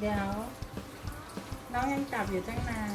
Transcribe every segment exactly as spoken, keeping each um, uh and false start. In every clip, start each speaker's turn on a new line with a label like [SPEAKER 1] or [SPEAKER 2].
[SPEAKER 1] เดี๋ยวน้องยังจับอยู่ตั้งนาน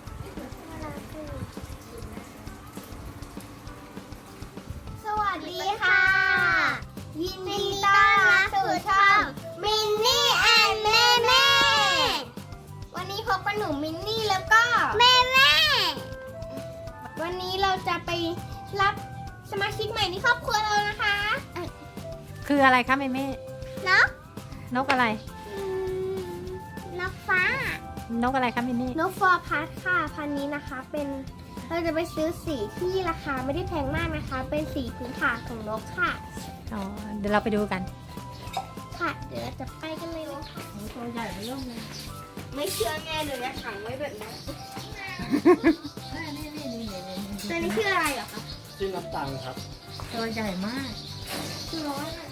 [SPEAKER 2] สวัสดีค่ะ ยินดีต้อนรับสู่ช่องมินนี่แอนแม่แม่วันนี้พบกับหนูมินนี่แล้วก็แม่แม่วันนี้เราจะไปรับสมาชิกใหม่ในครอบครัวเรานะคะ
[SPEAKER 3] คืออะไรคะเมเม่
[SPEAKER 2] นก
[SPEAKER 3] นกอะไร
[SPEAKER 2] อืมนกฟ้าน
[SPEAKER 3] กอะไรคะเมเม่
[SPEAKER 2] นกฟอร์พัสค่ะพันธุ์นี้นะคะเป็นเราจะไปซื้อสีที่ราคาไม่ได้แพงมากนะคะ เป็นสีพื้นฐานของนกค่ะ
[SPEAKER 3] อ๋อเดี๋ยวเราไปดูกัน
[SPEAKER 2] ค่ะ เดี๋ยวเราจะไปกันเลยนะคะ
[SPEAKER 1] ตัวใหญ่ไม่ร่มเลย
[SPEAKER 2] ไม่เชื่อแง่เลยนะขังไว้แบบนี้
[SPEAKER 1] นี่นี่นี่นี่นี่
[SPEAKER 2] ตัวนี้ชื่ออะไรเหรอคะ
[SPEAKER 4] ชื่อนับตังครับ
[SPEAKER 1] ตัวใหญ่มาก
[SPEAKER 2] คือร้อยอะ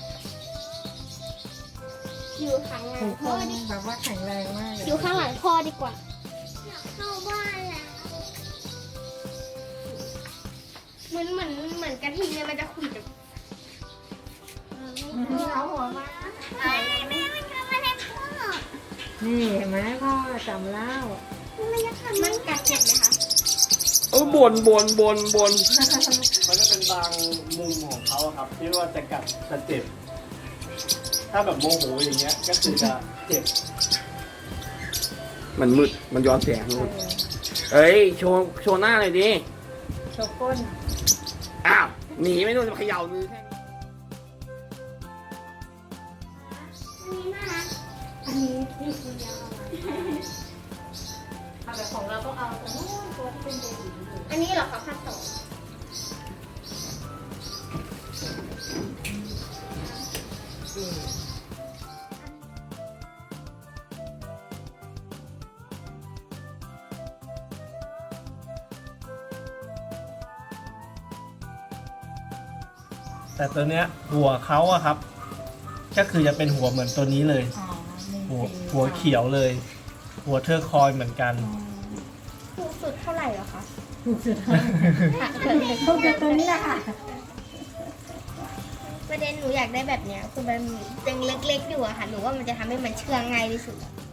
[SPEAKER 2] อยู่ข้างหลั
[SPEAKER 1] ถู
[SPEAKER 2] ง
[SPEAKER 1] กค
[SPEAKER 2] พ่อน ดี
[SPEAKER 1] แบบว่าแข็งแรงมากเลย
[SPEAKER 2] อยู่ข้างหลังพ่อดีกว่าเข้าบ้านแล้วเหมือนเหมือนเหมือนกระทิงเนี่ยมันจะขุ่นแบบ
[SPEAKER 1] นี่เอาหัวมา
[SPEAKER 2] แม่แม่มันทำอะไรพ่อ
[SPEAKER 1] นี่เห็นไหมพ่อจำแล้ว
[SPEAKER 2] มันจะทำมันกัดเจ็บไหมคะ
[SPEAKER 4] เออบนบนบนบนมันจะเป็นบางมุมของเขาอะครับ ที่ว่าจะกัดจะเจ็บ ถ้าแบบโมโหอย่างเงี้ย ก็คือจะเจ็บ มันมืด มันย้อนแสงมืดเอ้ย โชว์ โชว์หน้าหน่อยดิ
[SPEAKER 1] โชว์ก้น
[SPEAKER 4] อ้าว หนีไม่โดนจะเขย่ามือแค่นี้
[SPEAKER 2] อันนี้น่ารัก
[SPEAKER 1] อันนี้ที่คุณยาวเอาแต่ของเราต้องเอาแต่นู้นตัวที่เป็นเบบีอยู่
[SPEAKER 2] อันนี้เหรอคะพันสอง
[SPEAKER 4] แต่ตัวเนี้ยหัวเขาอะครับ ก็คือจะเป็นหัวเหมือนตัวนี้เลย
[SPEAKER 1] อ๋อมี
[SPEAKER 4] หัว
[SPEAKER 1] สี
[SPEAKER 4] หัวเขียวเลย หัวเทอร์คอยเหมือนกัน
[SPEAKER 2] ถูกสุดเท่าไหร่เหรอคะ
[SPEAKER 1] ถูกสุดถูกจากตัวนี้แหละค่ะ
[SPEAKER 2] ประเด็นหนูอยากได้แบบเนี้ยคือมันยังเล็กๆอยู่อะค่ะหนูว่ามันจะทำให้มันเชื่องง่ายที่สุด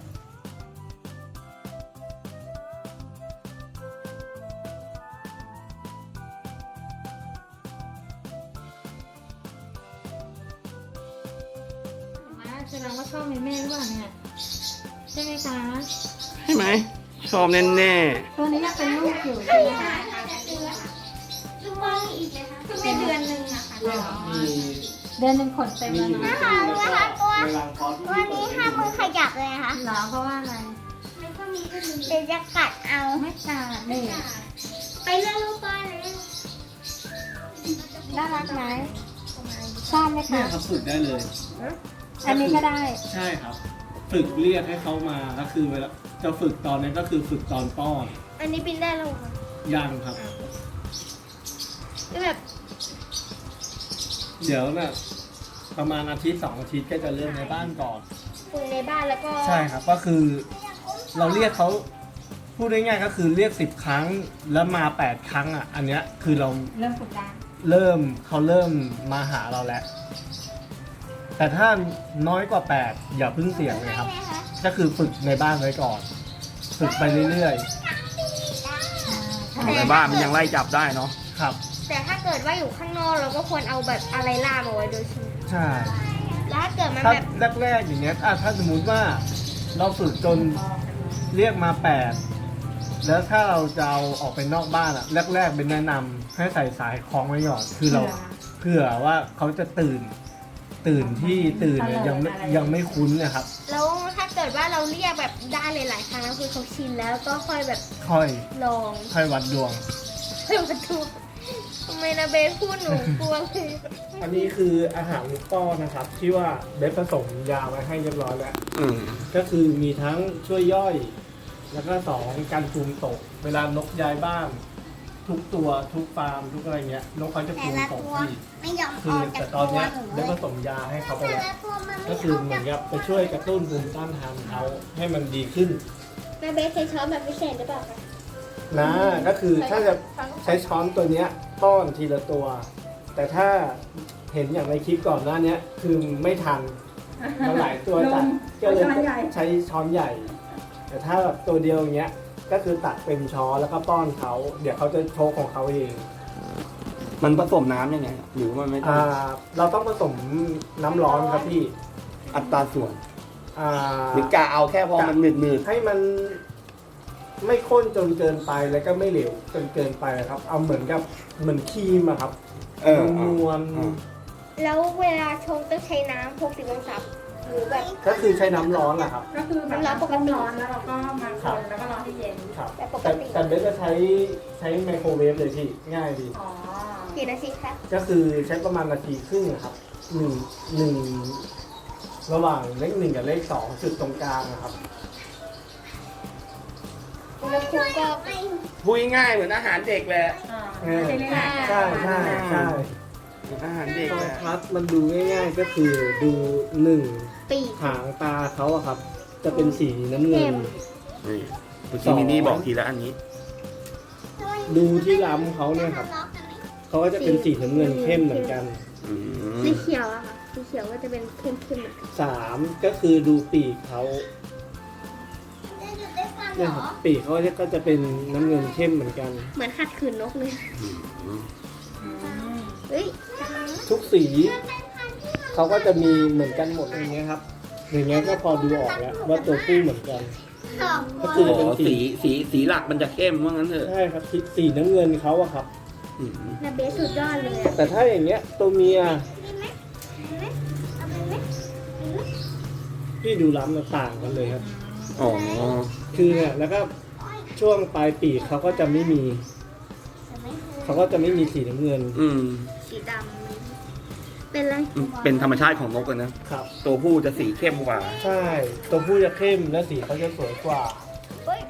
[SPEAKER 1] แสดงว่าชอบเมเม่หรือเปล่าเนี่ยใช่ไหมคะ
[SPEAKER 4] ใช่ไหม ชอบแน่แน่
[SPEAKER 1] ตัวนี้ยังเป็นลูกอยู่ใช่ไหมคะ
[SPEAKER 2] ลูกบอลอีกเลยค่ะเป็นเดือนหนึ่งอะค่ะ
[SPEAKER 4] ๆมี
[SPEAKER 1] เดือนหนึ่งขนเต็ม
[SPEAKER 4] มี
[SPEAKER 1] แล้ว
[SPEAKER 4] อยู่
[SPEAKER 1] นะ
[SPEAKER 4] ในตู้แล้วก็ในรังคอส
[SPEAKER 2] วันนี้ห้ามมือขยับเลยนะคะ
[SPEAKER 1] เหรอเพราะว่าอะไร
[SPEAKER 2] เดี๋ยวจะกัดเอา
[SPEAKER 1] ไม่กัดนี่
[SPEAKER 2] ไปเลือกลูกบอลเลย
[SPEAKER 1] น่ารักไหมชอบไหม
[SPEAKER 4] เนี่ย
[SPEAKER 1] คะ
[SPEAKER 4] ครับฝึกได้เลย
[SPEAKER 1] อันนี้ก็ได้
[SPEAKER 4] ใช่ครับ ฝึกเรียกให้เขามาก็คือเวลาจะฝึกตอนนี้ก็คือฝึกตอนป้อน
[SPEAKER 2] อันนี้บินได้แล้วเหรอคะ
[SPEAKER 4] ยังครับ
[SPEAKER 2] คือแบบ
[SPEAKER 4] เดี๋ยวน่ะประมาณอาทิตย์สองอาทิตย์ก็จะเริ่มในบ้านก่อน
[SPEAKER 2] คุยในบ้านแล้วก็
[SPEAKER 4] ใช่ครับก็คือเราเรียกเขาพูดง่ายๆก็คือเรียกสิบครั้งแล้วมาแปดครั้งอ่ะ อันเนี้ยคือเรา
[SPEAKER 1] เริ่มฝึกได้
[SPEAKER 4] เริ่มเขาเริ่มมาหาเราแล้ว แต่ถ้าน้อยกว่าแปดอย่าเพิ่งเสี่ยงเลยครับ
[SPEAKER 2] ใช่ไหมคะ
[SPEAKER 4] ก็คือฝึกในบ้านไว้ก่อน ฝึกไปเรื่อย
[SPEAKER 1] ใช่
[SPEAKER 4] ๆในบ้านมันยังไล่จับได้เนาะครับ
[SPEAKER 2] แต่ถ้าเกิดว่าอยู่ข้างนอกเราก็ควรเอาแบบอะไรล่ามเอาไว้โดยเฉพาะ
[SPEAKER 4] ใช่
[SPEAKER 2] แล้วถ้าเกิดมัน
[SPEAKER 4] ถ้า
[SPEAKER 2] แบบ
[SPEAKER 4] แรกๆอย่างเงี้ยอ่ะถ้าสมมุติว่าเราฝึกจนเรียกมาแปดแล้วถ้าเราจะเอาออกไปนอกบ้านอ่ะแรกๆเป็นแนะนำให้ใส่สายคล้องไว้ก่อนคือเราเผื่อว่าเขาจะตื่น ตื่นที่ตื่นเนี่ยยังไม่ยังไม่คุ้นเนะครับ
[SPEAKER 2] แล้วถ้าเกิดว่าเราเรียกแบบได้หลายๆครั้งแล้วคือเขาชินแล้วก็ค่อยแบบ
[SPEAKER 4] ค่อย
[SPEAKER 2] ลอง
[SPEAKER 4] ค่อยวัดดวง
[SPEAKER 2] เพิ่มประตูทำไมนะเบสพูดหนูกลัวเลย
[SPEAKER 4] อันนี้คืออาหารลูกป้อนนะครับ ที่ว่าเบสผสมยาไว้ให้เรียบร้อยแล้วก็คือมีทั้งช่วยย่อย แล้วก็สองการภูมิตก เวลานกย้ายบ้านทุกตัวทุกฟาร์มทุกอะไรเงี้ยนกเขาจะภูมิตกที่
[SPEAKER 2] ไม่ยอม
[SPEAKER 4] คือ แต่ตอนเนี้ยได้ผสมยาให้เขาไปแล้วก็คือเหมือนกับไปช่วยกระตุ้นภูมิต้านทานเขาให้มันดีขึ้น
[SPEAKER 2] แม่เบสใช้ช้อนแบบพิเศษหรือเปล่าคะ
[SPEAKER 4] นะก็คือถ้าจะใช้ช้อนตัวเนี้ยป้อนทีละตัว แต่ถ้าเห็นอย่างในคลิปก่อนหน้านี้คือไม่ทันมันหลายตัวจัดก็เลยใช้ช้อนใหญ่ แต่ถ้าแบบตัวเดียวอย่างเงี้ยก็คือตักเป็นช้อนแล้วก็ป้อนเขาเดี๋ยวเขาจะโชว์ของเขาเอง
[SPEAKER 5] มันผสมน้ำยังไงหรือมันไม่ต้อง
[SPEAKER 4] อ่าเราต้องผสมน้ำร้อนครับพี่
[SPEAKER 5] อัตราส่วน
[SPEAKER 4] อ่า
[SPEAKER 5] หรือกะเอาแค่พอมันหนืดหนืด
[SPEAKER 4] ให้มันไม่ข้นจนเกินไปแล้วก็ไม่เหลวจนเกินไปครับ เอาเหมือนกับเหมือนครีมอะครับ
[SPEAKER 5] เออน
[SPEAKER 4] วล
[SPEAKER 5] อ่า
[SPEAKER 2] แล้วเวลาชงต้องใช้น้ำหกสิบองศาหรือแบบ
[SPEAKER 4] ก็คือใช้น้ำร้อนแหละครับ
[SPEAKER 1] ก็คือแบบ
[SPEAKER 2] น้ำร้อนปกติ
[SPEAKER 1] ร้อนแล้วเราก็มาคนแล้วก็รอให้เย็น
[SPEAKER 4] ครับ
[SPEAKER 2] แบบปก
[SPEAKER 4] แต่
[SPEAKER 2] ติ
[SPEAKER 4] แต่เบสจะใช้ใช้ไมโครเวฟเลยพี่ง่ายดี
[SPEAKER 1] อ๋อ
[SPEAKER 2] กี่นาทีคะ
[SPEAKER 4] ก็คือใช้ประมาณนาทีครึ่งอะครับหนึ่งหนึ่งระหว่างเลขหนึ่งกับเลขสองจุดตรงกลางนะครับ
[SPEAKER 2] อุณหภูมิก็
[SPEAKER 5] พูดง่ายๆเหมือนอาหารเด็กแหละ
[SPEAKER 1] อ่า
[SPEAKER 4] เออ
[SPEAKER 1] ไม่ได้เล่น
[SPEAKER 4] ใช่ใช่ใช่
[SPEAKER 5] เหมือนอาหารเด็ก
[SPEAKER 4] โทร
[SPEAKER 5] แหละ
[SPEAKER 4] ทัศน์มันดูง่ายๆก็คือดูหนึ่ง
[SPEAKER 2] ปีก
[SPEAKER 4] หางตาเขาอะครับ จะเป็นสีน้ำเงิน
[SPEAKER 5] นี่เมื่อกี้มินนี่บอกทีละอันนี้
[SPEAKER 4] ดูที่ล้ำเขาเนี่ยครับเขาก็จะเป็นสีน้ำเงินเข้มเหมือนกัน
[SPEAKER 5] อืม
[SPEAKER 2] สีเขียวอะค่ะสีเขียวก็จะเป็นเข้มๆเหมือนกัน
[SPEAKER 4] สามก็คือดูปีกเขาเนี่ยครับปีกเขาก็จะเป็นน้ำเงินเข้มเหมือนกัน
[SPEAKER 2] เหมือนขัดขืนนกเลย
[SPEAKER 5] อืม
[SPEAKER 2] เฮ้ย
[SPEAKER 4] ทุกสีเขาก็จะมีเหมือนกันหมดอย่างเงี้ยครับ อย่างเงี้ยก็พอดูออกแล้วว่าตัวผู้เหมือนกัน
[SPEAKER 2] สอง
[SPEAKER 4] ก็
[SPEAKER 5] อ๋
[SPEAKER 4] คือจะเป็น
[SPEAKER 5] อ
[SPEAKER 4] สี
[SPEAKER 5] สีสีสีหลักมันจะเข้มว่างั้นเถอะ
[SPEAKER 4] ใช่ครับสีสีน้ำเงินเขาอะครับ
[SPEAKER 5] อืม
[SPEAKER 2] นาเบสสุดยอดเลยอะ
[SPEAKER 4] แต่ถ้าอย่างเงี้ยตัวเมีย
[SPEAKER 2] ดีไหมดีไหมเอาไปไหมดีไหม
[SPEAKER 4] ที่ดูล้ำต่างกันเลยครับ
[SPEAKER 5] อ๋อ
[SPEAKER 4] คือเนี่ยแล้วก็ช่วงปลายปีกเขาก็จะไม่มี
[SPEAKER 2] เอาไหม
[SPEAKER 4] เขาก็จะไม่มีสีน้ำเงิน
[SPEAKER 5] อืม
[SPEAKER 2] สีดำเป็นไร
[SPEAKER 5] เป็นธรรมชาติของนกเลยนะครับ ตัวผู้จะสีเข้มกว่า
[SPEAKER 4] ใช่ ตัวผู้จะเข้มและสีเขาจะสวยกว่า
[SPEAKER 2] เฮ้ย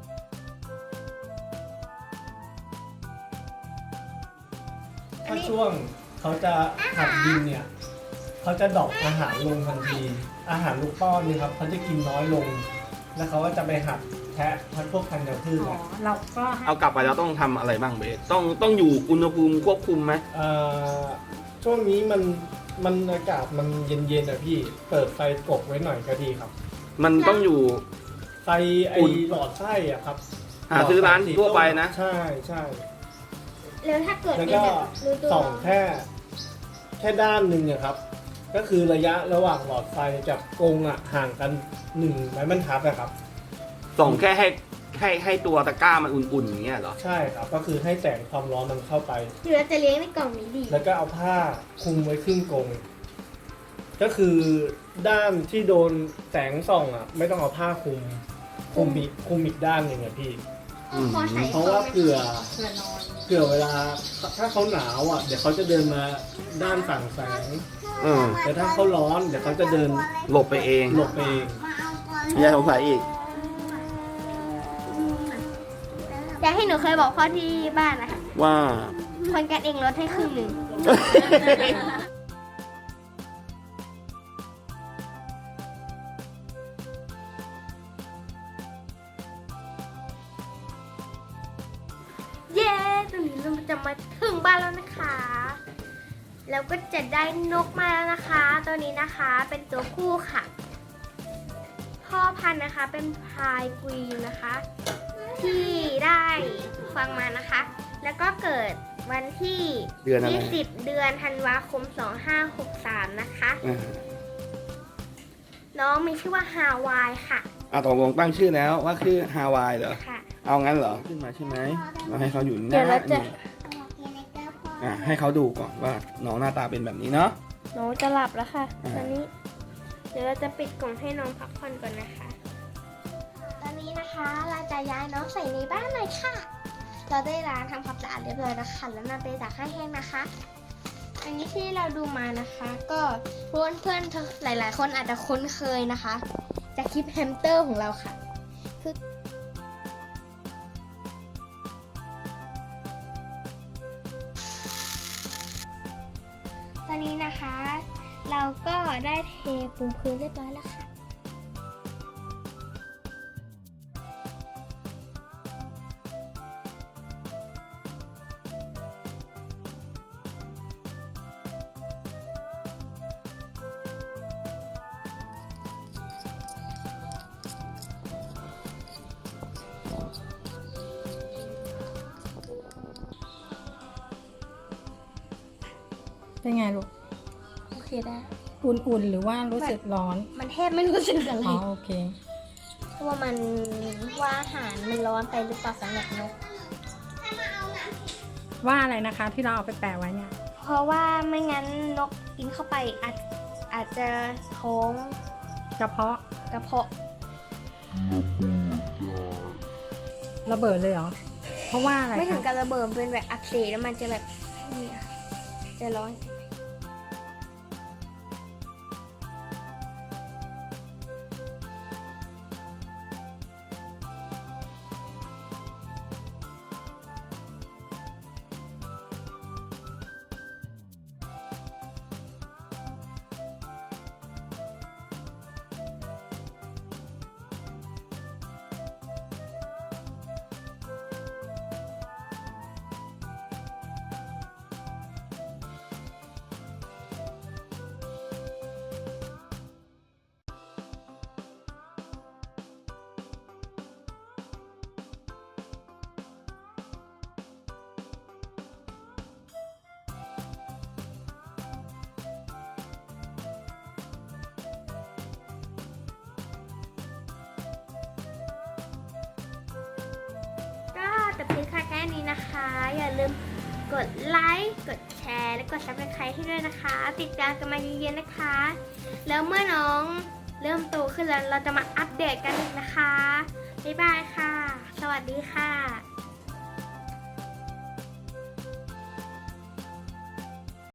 [SPEAKER 4] ถ้าช่วงเขาจะหัดดินเนี่ย เขาจะดรอปอาหารลงทันที อาหารลูกป้อนเนี่ยครับเขาจะกินน้อยลง แล้วเขาก็จะไปหัดแทะพัดพวกพันธุ์พืช
[SPEAKER 1] อ๋อ
[SPEAKER 4] อะ
[SPEAKER 1] เราก็ให้
[SPEAKER 5] เอากลับไปแล้วต้องทำอะไรบ้างเบสต้องต้องอยู่อุณหภูมิควบคุมไหม
[SPEAKER 4] เอ่อช่วงนี้มันมันอากาศมันเย็นๆอะพี่ เปิดไฟกบไว้หน่อยก็ดีครับ
[SPEAKER 5] มันต้องอยู่
[SPEAKER 4] ไฟไอ
[SPEAKER 5] อุ่น
[SPEAKER 4] หลอดไส้อะครับ
[SPEAKER 5] หาซื้อร้านทั่วไปนะ
[SPEAKER 4] ใช่ใช่
[SPEAKER 2] แล้วถ้าเกิด
[SPEAKER 4] แล้ว
[SPEAKER 2] เป็น
[SPEAKER 4] ก็
[SPEAKER 2] แบบรู้ตัว
[SPEAKER 4] ส่องแค่แค่ด้านหนึ่งอะครับ ก็คือระยะระหว่างหลอดไฟกับกรงอะห่างกันหนึ่งไม้บรรทัดอะครับ
[SPEAKER 5] ส่องแค่ให้ให้ให้ตัวตะกร้ามันอุ่นๆอย่างเงี้ยเหรอ
[SPEAKER 4] ใช่ครับ ก็คือให้แสงความร้อนมันเข้าไป
[SPEAKER 2] หรือเราจะเลี้ยงในกล่องนี้ดี
[SPEAKER 4] แล้วก็เอาผ้าคลุมไว้ครึ่งกรงก็คือด้านที่โดนแสงส่องอะไม่ต้องเอาผ้าคลุมคลุมอีกคลุมอีกด้านหนึ่งอะพี่
[SPEAKER 5] อืม
[SPEAKER 2] พอใส่
[SPEAKER 4] เพราะว่าเผื่อ
[SPEAKER 1] เพื่อนอน
[SPEAKER 4] เผื่อเวลาถ้าเขาหนาวอ่ะเดี๋ยวเขาจะเดินมาด้านฝั่งแสง
[SPEAKER 5] อืม
[SPEAKER 4] แต่ถ้าเขาร้อนเดี๋ยวเขาจะเดิน
[SPEAKER 5] หลบไปเอง
[SPEAKER 4] หลบไปเอง
[SPEAKER 5] ไม่ใช่สงสัยอีก
[SPEAKER 2] อยากให้หนูเคยบอกพ่อที่บ้านนะคะ
[SPEAKER 5] ว่า
[SPEAKER 2] คนกันเองลดให้ครึ่งหนึ่ง เย้ตอนนี้เราจะมาถึงบ้านแล้วนะคะ แล้วก็จะได้นกมาแล้วนะคะ ตัวนี้นะคะเป็นตัวผู้ค่ะ พ่อพันธุ์นะคะเป็นพายกรีนนะคะ ที่ได้ฟังมานะคะ แล้วก็เกิดวันที่
[SPEAKER 5] เดือนอะไร
[SPEAKER 2] ยี่สิบเดือนธันวาคมสองห้าหกสามนะคะ
[SPEAKER 5] อ่า
[SPEAKER 2] น้องมีชื่อว่าฮาวายค่ะ
[SPEAKER 5] อ่ะตกลงตั้งชื่อแล้วว่าคือฮาวายเหรอ
[SPEAKER 2] ค่ะ
[SPEAKER 5] เอางั้นเหรอ ขึ้นมาใช่ไหมเราให้เขาอยู่ห
[SPEAKER 2] เดี๋
[SPEAKER 5] น้า
[SPEAKER 2] ยวเราจะ
[SPEAKER 5] นี่อ่ะให้เขาดูก่อนว่าน้องหน้าตาเป็นแบบนี้เนาะ
[SPEAKER 2] น้องจะหลับแล้วค่ะ
[SPEAKER 5] อ่า
[SPEAKER 2] ตอนนี้ เดี๋ยวเราจะปิดกล่องให้น้องพักผ่อนก่อนนะคะ ตอนนี้นะคะเราจะย้ายน้องใส่ในบ้านเลยค่ะ เราได้ล้างทำความสะอาดเรียบร้อยแล้วค่ะแล้วนำไปตากให้แห้งนะคะ อันนี้ที่เราดูมานะคะ ก็เพื่อนเพื่อนๆหลาย ๆ คนอาจจะคุ้นเคยนะคะจากคลิปแฮมสเตอร์ของเราค่ะ คือตอนนี้นะคะ เราก็ได้เทปูพื้นเรียบร้อยแล้วค่ะ
[SPEAKER 3] เป็นไงลูก
[SPEAKER 2] โอเคได้
[SPEAKER 3] อุ่นๆหรือว่ารู้สึกร้อน
[SPEAKER 2] มันแทบไม่รู้สึกอะไร
[SPEAKER 3] อ๋อโอเค
[SPEAKER 2] เพราะว่ามันว่าอาหารมันร้อนไปหรือเปล่าสำหรับนก
[SPEAKER 3] ว่าอะไรนะคะที่เราเอาไปแปะไว้เนี่ย
[SPEAKER 2] เพราะว่าไม่งั้นนกกินเข้าไปอาจอาจจะท้อง
[SPEAKER 3] กระเพาะ
[SPEAKER 2] กระเพาะ
[SPEAKER 3] ระเบิดเลยเหรอ เพราะว่าอะไร
[SPEAKER 2] ไม่ถึง
[SPEAKER 3] คะ
[SPEAKER 2] กับระเบิดเป็นแบบอักเสบแล้วมันจะแบบเนี่ยจะร้อน ก็จบคลิปค่ะแค่นี้นะคะ อย่าลืมกดไลค์ กดแชร์ และกดซับสไครต์ให้ด้วยนะคะ ติดตามกันมาเยอะๆนะคะ แล้วเมื่อน้องเริ่มโตขึ้นแล้วเราจะมาอัปเดตกันอีกนะคะ บ๊ายบายค่ะ สวัสดีค่ะ